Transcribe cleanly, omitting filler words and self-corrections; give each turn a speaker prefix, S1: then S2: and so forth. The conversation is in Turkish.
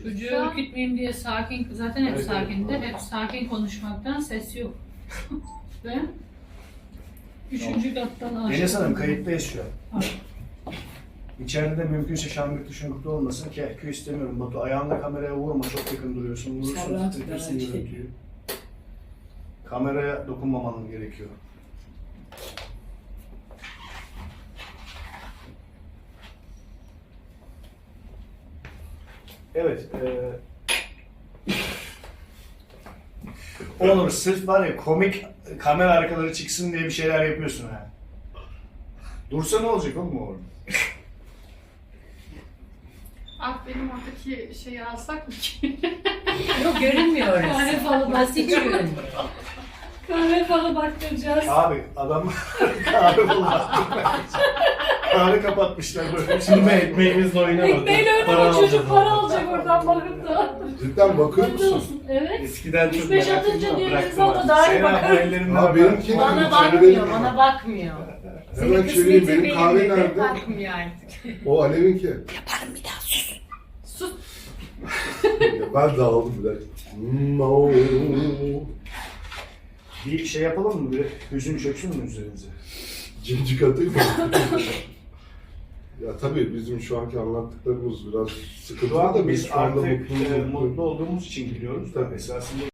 S1: Çocuğu ürkütmeyeyim diye sakin, zaten hep sakindi. Hep sakin konuşmaktan ses yok. Ve üçüncü kattan aşağı.
S2: Enes Hanım kayıttayız şu an. İçeride de mümkünse şangırtı şungurtu olmasın. Kehkü istemiyorum Batu. Ayağında kameraya vurma, çok yakın duruyorsun. Vurursun, titretirsin görüntüyü. Kameraya dokunmaman gerekiyor. Evet. Onur sırf var ya komik kamera arkaları çıksın diye bir şeyler yapıyorsun ha. Dursa ne olacak oğlum orada?
S3: Ah benim oradaki şeyi alsak mı ki?
S4: Yok görünmüyor orası.
S1: Kahve falı
S4: Orası hiç görünmüyor.
S1: Kahve falı baktıracağız.
S2: Abi adam kahve bulamadı. Kahve kapatmışlar böyle.
S5: Şimdi ekmeğimizle oynamadık.
S1: Ekmeğiyle oynama çocuk para alacak oradan bakıp da.
S6: Cidden bakıyor
S1: Hayırlı
S6: musun?
S1: olsun. Evet.
S5: Eskiden çok
S1: 3-5
S5: merak
S1: atınca
S5: ediyordum,
S1: diğer
S5: bıraktım
S1: insan da
S5: artık.
S1: dahi
S2: Sena bu
S1: bakar.
S2: ellerinden
S6: Ha benimki
S4: Bana
S6: içeri
S4: bakmıyor,
S6: benim.
S4: bana bakmıyor. Senin
S6: Hemen çevireyim,
S4: kısmetin
S6: benim kahve
S4: benim de
S6: nerede?
S4: bakmıyor artık.
S6: O Alev'inki.
S4: Yaparım bir daha sus.
S3: Sus.
S6: Ya ben dağıldım bir dakika. No.
S2: Bir şey yapalım mı? Bir hüzün çöksün mü üzerinize?
S6: Cincik atayım mı? Ya tabii bizim şu anki anlattıklarımız biraz
S2: Şu
S6: sıkıntılı
S2: anda
S6: da biz
S2: biz
S6: şu anda
S2: artık
S6: mutlu
S2: mutlu olduğumuz için biliyoruz da esasında